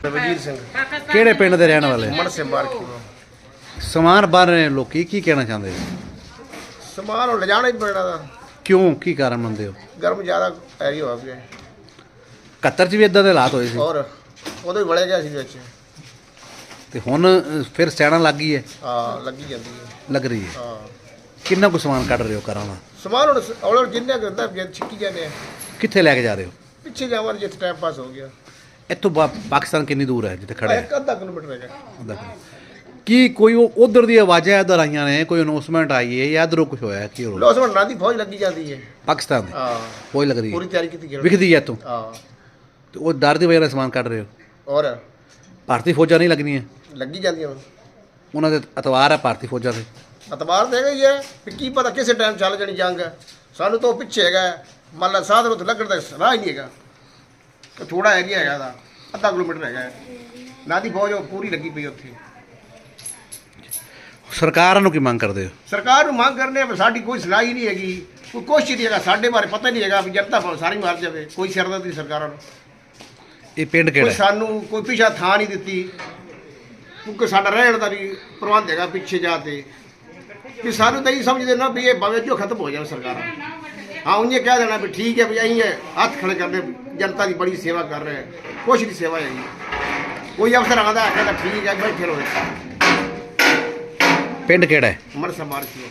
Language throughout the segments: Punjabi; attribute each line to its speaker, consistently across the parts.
Speaker 1: ਵਜੀਰ ਸਿੰਘ
Speaker 2: ਕਿਹੜੇ ਪਿੰਡ ਦੇ ਰਹਿਣ ਵਾਲੇ?
Speaker 1: ਮੜ ਸੇ ਮਾਰ ਕੇ
Speaker 2: ਸਮਾਨ ਬਾਹਰ ਰਹੇ ਲੋਕੀ ਕੀ ਕਹਿਣਾ ਚਾਹੁੰਦੇ?
Speaker 1: ਸਮਾਨ ਹੁਣ ਲਿਜਾਣਾ ਹੀ ਪੈਣਾ ਦਾ।
Speaker 2: ਕਿਉਂ, ਕੀ ਕਾਰਨ ਮੰਨਦੇ ਹੋ?
Speaker 1: ਗਰਮ ਜ਼ਿਆਦਾ ਐਰੀ ਹੋ ਗਿਆ।
Speaker 2: 71 ਚ ਵੀ ਇਦਾਂ ਦੇ ਹਾਲਾਤ ਹੋਏ ਸੀ
Speaker 1: ਔਰ ਉਦੋਂ ਹੀ ਵੜੇ ਗਿਆ ਸੀ ਵਿੱਚ।
Speaker 2: ਤੇ ਹੁਣ ਫਿਰ ਸੈਣਾ ਲੱਗ ਗਈ ਹੈ?
Speaker 1: ਹਾਂ ਲੱਗੀ ਜਾਂਦੀ ਹੈ।
Speaker 2: ਲੱਗ ਰਹੀ ਹੈ।
Speaker 1: ਹਾਂ
Speaker 2: ਕਿੰਨਾ ਕੁ ਸਮਾਨ ਕੱਢ ਰਹੇ ਹੋ ਘਰਾਂ ਦਾ?
Speaker 1: ਸਮਾਨ ਹੁਣ ਔਰ ਜਿੰਨੇ ਕਰਦਾ ਛਿੱਕੀ ਜਾਂਦੇ ਆ।
Speaker 2: ਕਿੱਥੇ ਲੈ ਕੇ ਜਾ ਰਹੇ ਹੋ?
Speaker 1: ਪਿੱਛੇ ਜਾਵਾਂ ਜਿੱਥੇ ਟਾਈਮ ਪਾਸ ਹੋ ਗਿਆ।
Speaker 2: ਇੱਥੋਂ ਪਾਕਿਸਤਾਨ ਕਿੰਨੀ ਦੂਰ ਹੈ ਜਿੱਥੇ ਖੜੇ?
Speaker 1: ਇੱਕ ਅੱਧਾ ਕਿਲੋਮੀਟਰ ਹੈਗਾ।
Speaker 2: ਅੱਧਾ ਕਿਲੋਮੀਟਰ। ਕੀ ਕੋਈ ਉਧਰ ਦੀ ਆਵਾਜ਼ਾਂ ਇੱਧਰ ਆਈਆਂ ਨੇ, ਕੋਈ ਅਨਾਉਂਸਮੈਂਟ ਆਈ ਹੈ ਜਾਂ ਇੱਧਰੋਂ ਕੁਝ ਹੋਇਆ? ਕੀ ਹੋ ਰਿਹਾ?
Speaker 1: ਲੋਸ ਬਣਨਾ ਦੀ ਫੌਜ ਲੱਗੀ ਜਾਂਦੀ ਹੈ
Speaker 2: ਪਾਕਿਸਤਾਨ ਦੀ
Speaker 1: ਹਾਂ
Speaker 2: ਫੌਜ ਲੱਗ ਰਹੀ
Speaker 1: ਪੂਰੀ
Speaker 2: ਹੈ,
Speaker 1: ਤਿਆਰੀ ਕੀਤੀ ਗਈ
Speaker 2: ਵਿਖਦੀ ਹੈ ਇੱਥੋਂ?
Speaker 1: ਹਾਂ
Speaker 2: ਤੇ ਉਹ ਡਰ ਦੀ ਵਜ੍ਹਾ ਨਾਲ ਸਮਾਨ ਕੱਢ ਰਹੇ ਹੋ?
Speaker 1: ਔਰ
Speaker 2: ਭਾਰਤੀ ਫੌਜਾਂ ਨਹੀਂ ਲੱਗਣੀਆਂ?
Speaker 1: ਲੱਗੀ ਜਾਂਦੀਆਂ ਹੁਣ।
Speaker 2: ਉਹਨਾਂ ਦੇ ਅਤਵਾਰ ਹੈ ਭਾਰਤੀ ਫੌਜਾਂ ਦੇ।
Speaker 1: ਅਤਬਾਰ ਦੇ ਗਈ ਹੈ ਵੀ ਕੀ ਪਤਾ ਕਿਸੇ ਟਾਈਮ ਚੱਲ ਜਾਣੀ ਜੰਗ। ਸਾਨੂੰ ਤਾਂ ਉਹ ਪਿੱਛੇ ਹੈਗਾ ਮੰਨ ਲਾ ਸਾਧਨ ਉੱਥੇ ਲੱਗਣ ਦਾ ਰਾਹ ਹੀ ਨਹੀਂ ਹੈਗਾ। ਥੋੜਾ ਏਰੀਆ ਹੈਗਾ ਦਾ ਅੱਧਾ ਕਿਲੋਮੀਟਰ ਹੈਗਾ ਨਾ ਦੀ ਫੌਜ ਉਹ ਪੂਰੀ ਲੱਗੀ ਪਈ ਉੱਥੇ।
Speaker 2: ਸਰਕਾਰਾਂ ਨੂੰ ਕੀ ਮੰਗ ਕਰਦੇ ਹੋ?
Speaker 1: ਸਰਕਾਰ ਨੂੰ ਮੰਗ ਕਰਨੇ ਆ ਸਾਡੀ ਕੋਈ ਸੁਣਾਈ ਹੀ ਨਹੀਂ ਹੈਗੀ, ਕੋਈ ਕੋਸ਼ਿਸ਼ ਨਹੀਂ ਹੈਗਾ। ਸਾਡੇ ਬਾਰੇ ਪਤਾ ਨਹੀਂ ਹੈਗਾ ਵੀ ਜਨਤਾ ਭਾਵੇਂ ਸਾਰੀ ਮਾਰ ਜਾਵੇ, ਕੋਈ ਸਿਰਦਰਦੀ ਨਹੀਂ ਸਰਕਾਰਾਂ ਨੂੰ।
Speaker 2: ਇਹ ਪਿੰਡ
Speaker 1: ਕੋਈ
Speaker 2: ਕਿਹੜਾ ਹੈ?
Speaker 1: ਸਾਨੂੰ ਕੋਈ ਪਿਛਾ ਥਾਂ ਨਹੀਂ ਦਿੱਤੀ, ਕਿਉਂਕਿ ਸਾਡਾ ਰਹਿਣ ਦਾ ਵੀ ਪ੍ਰਬੰਧ ਹੈਗਾ ਪਿੱਛੇ ਜਾ ਤੇ। ਕਿ ਸਾਨੂੰ ਤਾਂ ਇਹ ਸਮਝਦੇ ਨਾ ਵੀ ਇਹ ਭਾਵੇਂ ਜੋ ਖਤਮ ਹੋ ਜਾਵੇ ਸਰਕਾਰਾਂ। ਹਾਂ ਉਹਨੇ ਕਹਿ ਦੇਣਾ ਵੀ ਠੀਕ ਹੈ ਵੀ ਅਸੀਂ ਹੱਥ ਖੜੇ ਕਰਦੇ ਜਨਤਾ ਦੀ ਬੜੀ ਸੇਵਾ ਕਰ ਰਹੇ ਕੁਛ ਦੀ ਸੇਵਾ ਹੈਗੀ। ਕੋਈ ਅਫਸਰ ਆਉਂਦਾ ਕਹਿੰਦਾ ਠੀਕ ਹੈ ਬੈਠੇ ਰਹੋ।
Speaker 2: ਪਿੰਡ ਕਿਹੜਾ ਹੈ?
Speaker 1: ਮਰਸਾ ਮਾਰ ਕੇ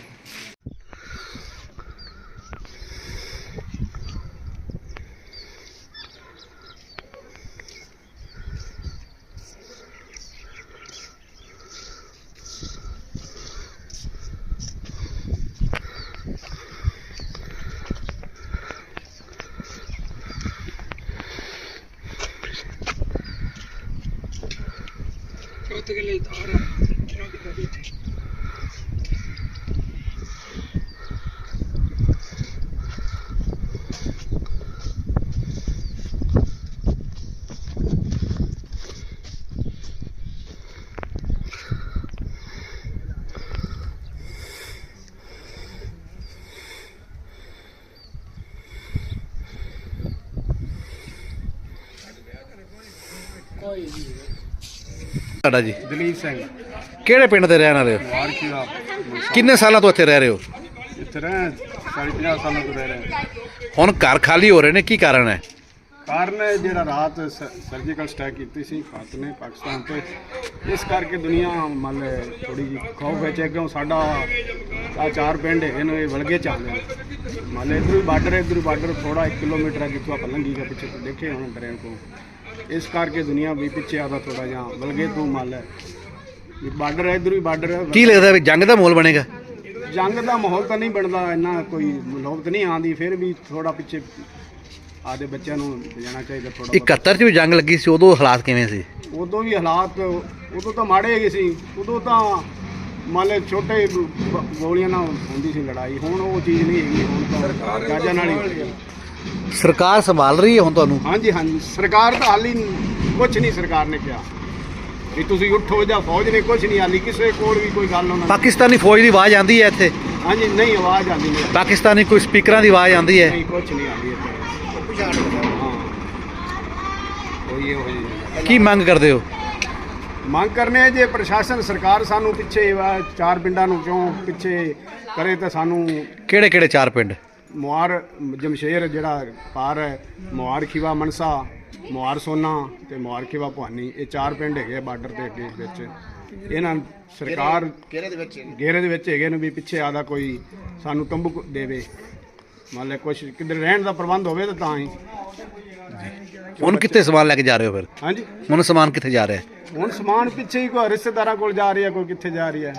Speaker 2: ਤੁਹਾਡਾ ਜੀ?
Speaker 3: ਦਲੀਪ ਸਿੰਘ
Speaker 2: ਕਿਹੜੇ ਪਿੰਡ ਦੇ ਰਹਿਣ ਵਾਲੇ ਹੋ?
Speaker 3: ਵਾਰ ਕੀ ਆ
Speaker 2: ਕਿੰਨੇ ਸਾਲਾਂ ਤੋਂ ਇੱਥੇ ਰਹਿ ਰਹੇ ਹੋ?
Speaker 3: ਇੱਥੇ ਰਹਿ 50 ਸਾਲਾਂ ਤੋਂ ਰਹਿ ਰਹੇ।
Speaker 2: ਹੁਣ ਘਰ ਖਾਲੀ ਹੋ ਰਹੇ ਨੇ, ਕੀ ਕਾਰਨ ਹੈ?
Speaker 3: ਕਾਰਨ ਜਿਹੜਾ ਰਾਤ ਸਰਜੀਕਲ ਸਟ੍ਰਾਈਕ ਕੀਤੀ ਸੀ ਭਾਰਤ ਨੇ ਪਾਕਿਸਤਾਨ ਤੇ, ਇਸ ਕਰਕੇ ਦੁਨੀਆ ਮੰਨ ਲੈ ਥੋੜੀ ਜਿਹੀ ਖੌਫ ਵਿੱਚ ਹੈ। ਕਿਉਂ ਸਾਡਾ ਆ 4 ਪਿੰਡ ਹੈਗੇ ਨੇ, ਇਹ ਵਲਗੇ ਚ ਆਉਂਦੇ ਨੇ। ਮੰਨ ਲੈ ਇੱਧਰ ਵੀ ਬਾਰਡਰ ਥੋੜਾ 1 ਕਿਲੋਮੀਟਰ ਹੈ ਜਿੱਥੋਂ ਆਪਾਂ ਲੰਘੀ ਗਏ ਪਿੱਛੇ ਦੇਖੇ ਹੁਣ ਟ੍ਰੇਨ ਤੋਂ। ਇਸ ਕਰਕੇ ਦੁਨੀਆ ਵੀ ਪਿੱਛੇ ਆਦਾ ਥੋੜਾ ਜਿਹਾ ਵਲਗੇ ਤੋਂ। ਮੰਨ ਲੈ ਵੀ ਬਾਰਡਰ ਹੈ, ਇੱਧਰ ਵੀ ਬਾਰਡਰ ਹੈ।
Speaker 2: ਕੀ ਲੱਗਦਾ ਵੀ ਜੰਗ ਦਾ ਮਾਹੌਲ ਬਣੇਗਾ?
Speaker 3: ਜੰਗ ਦਾ ਮਾਹੌਲ ਤਾਂ ਨਹੀਂ ਬਣਦਾ, ਇੰਨਾ ਕੋਈ ਨੌਬਤ ਨਹੀਂ ਆਉਂਦੀ। ਫਿਰ ਵੀ ਥੋੜਾ ਪਿੱਛੇ ਆਦੇ ਬੱਚਿਆਂ ਨੂੰ ਜਾਣਾ ਚਾਹੀਦਾ ਥੋੜਾ।
Speaker 2: 71 ਚ ਵੀ ਜੰਗ ਲੱਗੀ ਸੀ, ਉਦੋਂ ਹਾਲਾਤ ਕਿਵੇਂ ਸੀ?
Speaker 3: ਉਦੋਂ ਵੀ ਹਾਲਾਤ ਉਦੋਂ ਤਾਂ ਮਾੜੇ ਹੈਗੇ ਸੀ। ਉਦੋਂ ਤਾਂ ਮੰਨ ਲਓ ਛੋਟੇ ਗੋਲੀਆਂ ਨਾਲ ਹੁੰਦੀ ਸੀ ਲੜਾਈ। ਹੁਣ ਉਹ ਚੀਜ਼ ਨਹੀਂ ਹੈਗੀ। ਹੁਣ ਤਾਂ ਗਾਜਾਂ ਨਾਲ ਹੀ
Speaker 2: ਸਰਕਾਰ ਸੰਭਾਲ ਰਹੀ ਹੈ ਹੁਣ ਤੁਹਾਨੂੰ?
Speaker 3: ਹਾਂਜੀ ਹਾਂਜੀ ਸਰਕਾਰ ਤਾਂ ਹਾਲੀ ਕੁਛ ਨਹੀਂ। ਸਰਕਾਰ ਨੇ ਕਿਹਾ ਵੀ ਤੁਸੀਂ ਉੱਠੋ ਜਾਂ ਫੌਜ ਨੇ ਕੁਛ ਨਹੀਂ ਹਾਲੀ ਕਿਸੇ ਕੋਲ ਵੀ ਕੋਈ ਗੱਲ ਉਹਨਾਂ
Speaker 2: ਪਾਕਿਸਤਾਨੀ ਫੌਜ ਦੀ ਆਵਾਜ਼ ਆਉਂਦੀ ਹੈ ਇੱਥੇ?
Speaker 3: ਹਾਂਜੀ ਨਹੀਂ ਆਵਾਜ਼ ਆਉਂਦੀ ਨਹੀਂ।
Speaker 2: ਪਾਕਿਸਤਾਨੀ ਕੋਈ ਸਪੀਕਰਾਂ ਦੀ ਆਵਾਜ਼ ਆਉਂਦੀ ਹੈ?
Speaker 3: ਨਹੀਂ ਕੁਛ ਨਹੀਂ ਆਉਂਦੀ ਇੱਥੇ। ਹਾਂ ਕੋਈ ਇਹੋ ਜਿਹੀ
Speaker 2: ਕੀ ਮੰਗ ਕਰਦੇ ਹੋ?
Speaker 3: ਮੰਗ ਕਰਨੇ ਜੇ ਪ੍ਰਸ਼ਾਸਨ ਸਰਕਾਰ ਸਾਨੂੰ ਪਿੱਛੇ 4 ਪਿੰਡਾਂ ਨੂੰ ਕਿਉਂ ਪਿੱਛੇ ਕਰੇ ਤਾਂ ਸਾਨੂੰ।
Speaker 2: ਕਿਹੜੇ ਕਿਹੜੇ 4 ਪਿੰਡ?
Speaker 3: ਮੁਹਾਰ ਜਮਸ਼ੇਰ ਜਿਹੜਾ ਪਾਰ ਹੈ, ਮੁਹਾਰ ਖੀਵਾ ਮਨਸਾ, ਮੁਹਾਰ ਸੋਨਾ ਤੇ ਮੁਹਾਰ ਖੀਵਾ ਭਵਾਨੀ। ਇਹ 4 ਪਿੰਡ ਹੈਗੇ ਬਾਰਡਰ ਦੇ ਅੱਗੇ ਵਿੱਚ। ਇਹਨਾਂ ਸਰਕਾਰ ਘੇਰੇ ਦੇ ਵਿੱਚ ਹੈਗੇ ਨੇ ਵੀ ਪਿੱਛੇ ਆਦਾ ਕੋਈ ਸਾਨੂੰ ਤੰਬੂ ਦੇਵੇ। ਮੰਨ ਲੈ ਕੁਛ ਕਿਧਰ ਰਹਿਣ ਦਾ ਪ੍ਰਬੰਧ ਹੋਵੇ ਤਾਂ ਹੀ।
Speaker 2: ਹੁਣ ਕਿੱਥੇ ਸਮਾਨ ਲੈ ਕੇ ਜਾ ਰਹੇ ਹੋ ਫਿਰ?
Speaker 3: ਹਾਂਜੀ
Speaker 2: ਹੁਣ ਸਮਾਨ ਕਿੱਥੇ ਜਾ ਰਿਹਾ ਹੈ?
Speaker 3: ਹੁਣ ਸਮਾਨ ਪਿੱਛੇ ਹੀ ਕੋਈ ਰਿਸ਼ਤੇਦਾਰਾਂ ਕੋਲ ਜਾ ਰਹੀ ਹੈ, ਕੋਈ ਕਿੱਥੇ ਜਾ ਰਹੀ ਹੈ।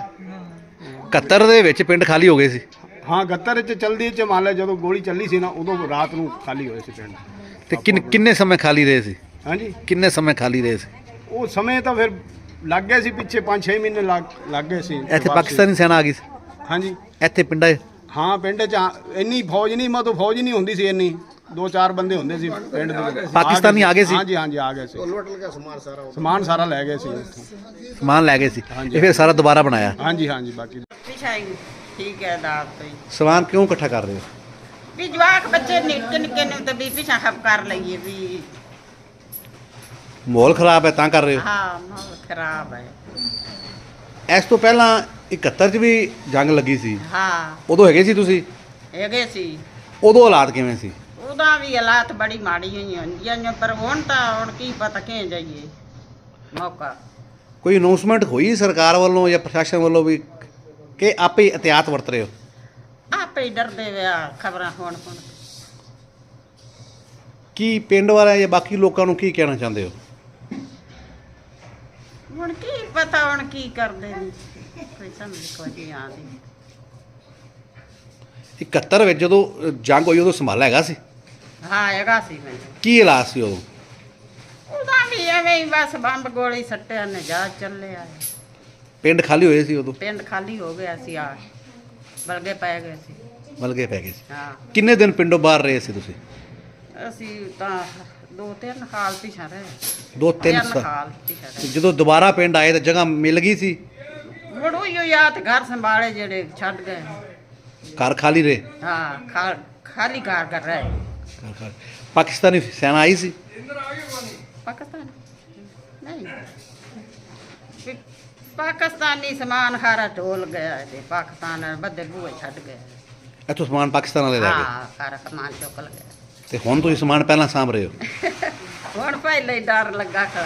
Speaker 2: 71 ਦੇ ਵਿੱਚ ਪਿੰਡ ਖਾਲੀ ਹੋ ਗਏ ਸੀ?
Speaker 3: ਹਾਂ 71 ਚ ਚਲਦੀ ਚ ਮੰਨ ਲੈ ਜਦੋਂ ਗੋਲੀ ਚੱਲੀ ਸੀ ਨਾ ਉਦੋਂ ਰਾਤ ਨੂੰ ਖਾਲੀ ਹੋਏ ਸੀ ਪਿੰਡ।
Speaker 2: ਤੇ ਕਿੰਨੇ ਸਮੇਂ ਖਾਲੀ ਰਹੇ ਸੀ?
Speaker 3: ਹਾਂਜੀ
Speaker 2: ਕਿੰਨੇ ਸਮੇਂ ਖਾਲੀ ਰਹੇ ਸੀ?
Speaker 3: ਉਹ ਸਮੇਂ ਤਾਂ ਫਿਰ ਲੱਗ ਗਏ ਸੀ ਪਿੱਛੇ 5-6 ਮਹੀਨੇ ਲੱਗ ਗਏ ਸੀ।
Speaker 2: ਇੱਥੇ ਪਾਕਿਸਤਾਨੀ ਸੈਨਾ ਆ ਗਈ ਸੀ?
Speaker 3: ਹਾਂਜੀ
Speaker 2: ਇੱਥੇ ਪਿੰਡਾਂ
Speaker 3: ਹਾਂ ਪਿੰਡ ਚ ਇੰਨੀ ਫੌਜ ਨਹੀਂ, ਮਤਲਬ ਫੌਜ ਨਹੀਂ ਹੁੰਦੀ ਸੀ ਇੰਨੀ। 2-4 ਬੰਦੇ ਹੁੰਦੇ ਸੀ ਪਿੰਡ ਦੇ।
Speaker 2: ਪਾਕਿਸਤਾਨੀ ਆ ਗਏ ਸੀ?
Speaker 3: ਹਾਂਜੀ ਹਾਂਜੀ ਆ ਗਏ ਸੀ।
Speaker 1: ਲੁੱਟ ਲਿਆ
Speaker 3: ਸਮਾਨ ਸਾਰਾ ਲੈ ਗਏ ਸੀ ਇੱਥੋਂ।
Speaker 2: ਸਮਾਨ ਲੈ ਗਏ ਸੀ? ਇਹ ਫਿਰ ਸਾਰਾ ਦੁਬਾਰਾ ਬਣਾਇਆ?
Speaker 3: ਹਾਂਜੀ ਹਾਂਜੀ ਬਾਕੀ
Speaker 4: ਠੀਕ ਹੈ ਦਾਤ ਤੋਂ
Speaker 2: ਸਮਾਨ ਕਿਉਂ ਇਕੱਠਾ ਕਰ ਰਹੇ ਹੋ?
Speaker 4: ਵੀ ਜਵਾਕ ਬੱਚੇ ਨਿੱਕੇ ਨਿੱਕੇ ਨੂੰ ਤੇ ਵੀ ਪਿਛਾ ਖਪ ਕਰ ਲਈਏ ਵੀ
Speaker 2: ਮਾਹੌਲ ਖਰਾਬ ਹੈ ਤਾਂ ਕਰ ਰਹੇ ਹੋ।
Speaker 4: ਹਾਂ ਮਾਹੌਲ ਖਰਾਬ ਹੈ।
Speaker 2: ਇਸ ਤੋਂ ਪਹਿਲਾਂ 71 ਚ ਵੀ ਜੰਗ ਲੱਗੀ ਸੀ,
Speaker 4: ਹਾਂ
Speaker 2: ਉਦੋਂ ਹੈਗੇ ਸੀ ਤੁਸੀਂ?
Speaker 4: ਹੈਗੇ ਸੀ।
Speaker 2: ਉਦੋਂ ਹਾਲਾਤ ਕਿਵੇਂ ਸੀ?
Speaker 4: ਉਹਦਾ ਵੀ ਹਾਲਾਤ ਬੜੀ ਮਾੜੀ ਹੋਈ ਹੁੰਦੀਆਂ ਨੇ, ਪਰ ਹੁਣ ਕੀ ਪਤਾ ਕਿਹ ਜਾਈਏ ਮੌਕਾ।
Speaker 2: ਕੋਈ ਅਨਾਉਂਸਮੈਂਟ ਹੋਈ ਸਰਕਾਰ ਵੱਲੋਂ ਜਾਂ ਪ੍ਰਸ਼ਾਸਨ ਵੱਲੋਂ ਵੀ ਕਿ ਆਪੇ ਹੀ ਇhtiyਾਤ ਵਰਤ ਰਹੇ ਹੋ?
Speaker 4: ਆਪੇ ਹੀ ਡਰਦੇ ਵਿਆ ਖਬਰਾਂ ਹੁਣ
Speaker 2: ਕੀ ਪਿੰਡ ਵਾਲਿਆਂ ਜਾਂ ਬਾਕੀ ਲੋਕਾਂ ਨੂੰ ਕੀ ਕਹਿਣਾ ਚਾਹੁੰਦੇ ਹੋ?
Speaker 4: ਹੁਣ ਕੀ ਪਤਾ ਹੁਣ ਕੀ ਕਰਦੇ ਨੇ, ਕੋਈ ਸਮਝ ਕੋਈ ਨਹੀਂ ਆਉਂਦੀ।
Speaker 2: 71 ਵਿੱਚ ਜਦੋਂ ਜੰਗ ਹੋਈ ਉਦੋਂ ਸੰਭਾਲਾ ਹੈਗਾ ਸੀ?
Speaker 4: ਹਾਂ ਹੈਗਾ ਸੀ ਮੈਨੂੰ।
Speaker 2: ਕੀ ਹਾਲਾਤ ਸੀ ਉਦੋਂ?
Speaker 4: ਉਹਦਾ ਵੀ ਐਵੇਂ ਹੀ ਬਸ ਬੰਬ ਗੋਲੀ ਸੱਟਿਆ ਨੇ ਜਾ ਚੱਲਿਆ।
Speaker 2: ਪਿੰਡ ਖਾਲੀ ਹੋਏ ਸੀ ਉਦੋਂ?
Speaker 4: ਪਿੰਡ ਖਾਲੀ ਹੋ ਗਿਆ ਸੀ, ਆ ਬਲਗੇ ਪੈ ਗਏ ਸੀ।
Speaker 2: ਮਲਗੇ ਪੈ ਗਏ ਸੀ।
Speaker 4: ਹਾਂ
Speaker 2: ਕਿੰਨੇ ਦਿਨ ਪਿੰਡੋਂ ਬਾਹਰ ਰਹੇ ਸੀ ਤੁਸੀਂ?
Speaker 4: ਅਸੀਂ ਤਾਂ 2-3 ਸਾਲ ਪਿਛਾ ਰਹੇ।
Speaker 2: 2-3 ਸਾਲ।
Speaker 4: ਸਾਲ ਪਿਛਾ ਰਹੇ।
Speaker 2: ਜਦੋਂ ਦੁਬਾਰਾ ਪਿੰਡ ਆਏ ਤਾਂ ਜਗ੍ਹਾ ਮਿਲ ਗਈ ਸੀ?
Speaker 4: ਮੁੜ ਉਹੀ ਯਾਦ ਘਰ ਸੰਭਾਲੇ ਜਿਹੜੇ ਛੱਡ ਗਏ।
Speaker 2: ਘਰ ਖਾਲੀ ਰਹੇ?
Speaker 4: ਹਾਂ ਖਾਲੀ ਘਰ ਕਰ ਰਹੇ।
Speaker 2: ਘਰ ਖਾਲੀ। ਪਾਕਿਸਤਾਨੀ ਸੈਨਾ ਆਈ ਸੀ?
Speaker 4: ਪਾਕਿਸਤਾਨ ਨਹੀਂ, ਵੀ ਪਾਕਿਸਤਾਨੀ ਸਮਾਨ ਖਾਰਾ ਢੋਲ ਗਿਆ ਤੇ ਪਾਕਿਸਤਾਨ ਬੱਦੇ ਬੂਹੇ ਛੱਡ ਗਏ।
Speaker 2: ਇੱਥੋਂ ਸਮਾਨ ਪਾਕਿਸਤਾਨ ਵਾਲੇ ਲੈ ਗਏ?
Speaker 4: ਹਾਂ ਸਾਰਾ ਸਮਾਨ ਚੁੱਕ ਲਿਆ।
Speaker 2: ਤੇ ਹੁਣ ਤੁਸੀਂ ਸਮਾਨ ਪਹਿਲਾਂ ਸਾਂਭ ਰਹੇ ਹੋ?
Speaker 4: ਹੁਣ ਪਹਿਲੇ ਹੀ ਡਰ ਲੱਗਾ ਖੜਾ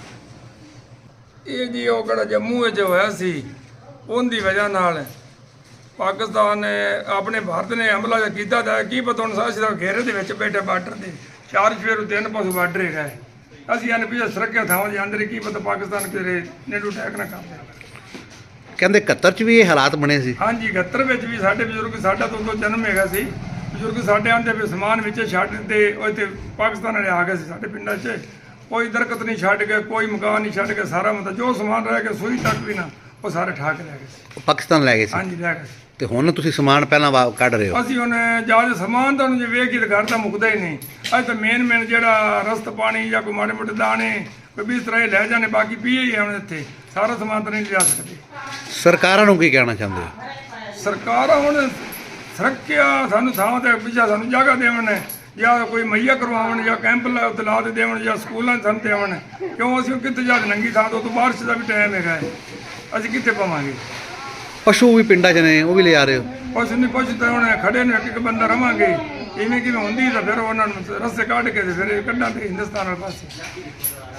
Speaker 5: ਇਹ ਜੀ ਉਹ ਕਿਹੜਾ ਜੰਮੂ ਵਿੱਚ ਹੋਇਆ ਸੀ, ਉਹਦੀ ਵਜ੍ਹਾ ਨਾਲ ਪਾਕਿਸਤਾਨ ਨੇ ਆਪਣੇ ਭਾਰਤ ਨੇ ਹਮਲਾ ਕੀਤਾ ਤਾਂ ਕੀ ਪਤਾ ਹੁਣ ਸਾਡਾ ਘੇਰੇ ਦੇ ਵਿੱਚ ਬੈਠੇ ਬਾਰਡਰ ਦੇ 4 ਸਵੇਰ 3 ਪਾਸੇ ਬਾਰਡਰ ਹੈਗਾ। ਅਸੀਂ ਇਹਨੇ ਪਿੱਛੇ ਸੁਰੱਖਿਆ ਥਾਵਾਂ ਦੇ ਅੰਦਰ ਕੀ ਪਤਾ ਪਾਕਿਸਤਾਨ ਕਿਹੜੇ ਨੇੜੂ ਅਟੈਕ ਨਾ ਕਰ ਦੇ।
Speaker 2: ਕਹਿੰਦੇ 71 ਚ ਵੀ ਇਹ ਹਾਲਾਤ ਬਣੇ ਸੀ?
Speaker 5: ਹਾਂਜੀ 71 ਵਿੱਚ ਵੀ ਸਾਡੇ ਬਜ਼ੁਰਗ, ਸਾਡਾ ਤੋਂ ਉਦੋਂ ਜਨਮ ਹੈਗਾ ਸੀ, ਬਜ਼ੁਰਗ ਸਾਡੇ ਆਂਦੇ ਵੀ ਸਮਾਨ ਵਿੱਚ ਛੱਡ ਤੇ ਉਹ ਇੱਥੇ ਪਾਕਿਸਤਾਨ ਵਾਲੇ ਆ ਗਏ ਸੀ ਸਾਡੇ ਪਿੰਡਾਂ 'ਚ। ਕੋਈ ਦਰਖਤ ਨਹੀਂ ਛੱਡ ਗਏ, ਕੋਈ ਮਕਾਨ ਨਹੀਂ ਛੱਡ ਗਏ, ਸਾਰਾ ਮਤਲਬ ਜੋ ਸਮਾਨ ਰਹਿ ਗਿਆ ਸੂਈ ਤੱਕ ਵੀ ਨਾ ਉਹ ਸਾਰੇ ਠਾ ਕੇ ਲੈ ਗਏ ਸੀ।
Speaker 2: ਉਹ ਪਾਕਿਸਤਾਨ ਲੈ ਗਏ ਸੀ?
Speaker 5: ਹਾਂਜੀ ਲੈ ਗਏ ਸੀ।
Speaker 2: ਤੇ ਹੁਣ ਤੁਸੀਂ ਸਮਾਨ ਪਹਿਲਾਂ ਕੱਢ ਰਹੇ ਹੋ?
Speaker 5: ਅਸੀਂ ਹੁਣ ਜਦ ਸਮਾਨ ਤਾਂ ਜੇ ਵੇਖ ਕੇ ਤਾਂ ਘਰ ਤਾਂ ਮੁੱਕਦਾ ਹੀ ਨਹੀਂ। ਅੱਜ ਤਾਂ ਮੇਨ ਜਿਹੜਾ ਰਸਤ ਪਾਣੀ ਜਾਂ ਕੋਈ ਮਾੜੇ ਮੋਟੇ ਦਾਣੇ ਕੋਈ ਵੀ ਇਸ ਤਰ੍ਹਾਂ ਹੀ ਲੈ ਜਾਣੇ, ਬਾਕੀ ਪੀਏ ਹੀ ਹੁਣ ਇੱਥੇ ਸਾਰਾ ਸਮਾਨ ਤਾਂ ਨਹੀਂ ਲਿਆ ਸਕਦੇ।
Speaker 2: ਸਰਕਾਰਾਂ ਨੂੰ ਕੀ ਕਹਿਣਾ ਚਾਹੁੰਦੇ ਹੋ?
Speaker 5: ਸਰਕਾਰ ਹੁਣ ਸੁਰੱਖਿਆ ਸਾਨੂੰ ਥਾਂ ਤੇ ਪਿੱਛਾ ਸਾਨੂੰ ਜਗ੍ਹਾ ਦੇਵਣ, ਜਾਂ ਕੋਈ ਮੁਹੱਈਆ ਕਰਵਾਉਣ, ਜਾਂ ਕੈਂਪ ਲਾ ਦੇ ਦੇਵਣ, ਜਾਂ ਸਕੂਲਾਂ 'ਚ ਸਾਨੂੰ ਦੇਵਣ। ਕਿਉਂ ਅਸੀਂ ਕਿੱਥੇ ਜਾ ਨੰਗੀ ਥਾਂ ਤੋਂ ਬਾਰਿਸ਼ ਦਾ ਵੀ ਟਾਈਮ ਹੈਗਾ, ਅਸੀਂ ਕਿੱਥੇ ਪਾਵਾਂਗੇ?
Speaker 2: ਪਸ਼ੂ ਵੀ ਪਿੰਡਾਂ 'ਚ ਨੇ, ਉਹ ਵੀ ਲਿਆ ਰਹੇ ਹੋ?
Speaker 5: ਕੁਛ ਨਹੀਂ ਕੁਛ ਤਾਂ ਹੁਣ ਖੜੇ ਨੇ, ਇੱਕ ਬੰਦਾ ਰਵਾਂਗੇ ਇਵੇਂ ਕਿਵੇਂ ਹੁੰਦੀ ਤਾਂ ਫਿਰ ਉਹਨਾਂ ਨੂੰ ਰਸਤੇ ਕੱਢ ਕੇ ਤੇ ਫਿਰ ਕੱਢਾਂ ਤੇ ਹਿੰਦੁਸਤਾਨ ਵਾਲੇ ਪਾਸੇ।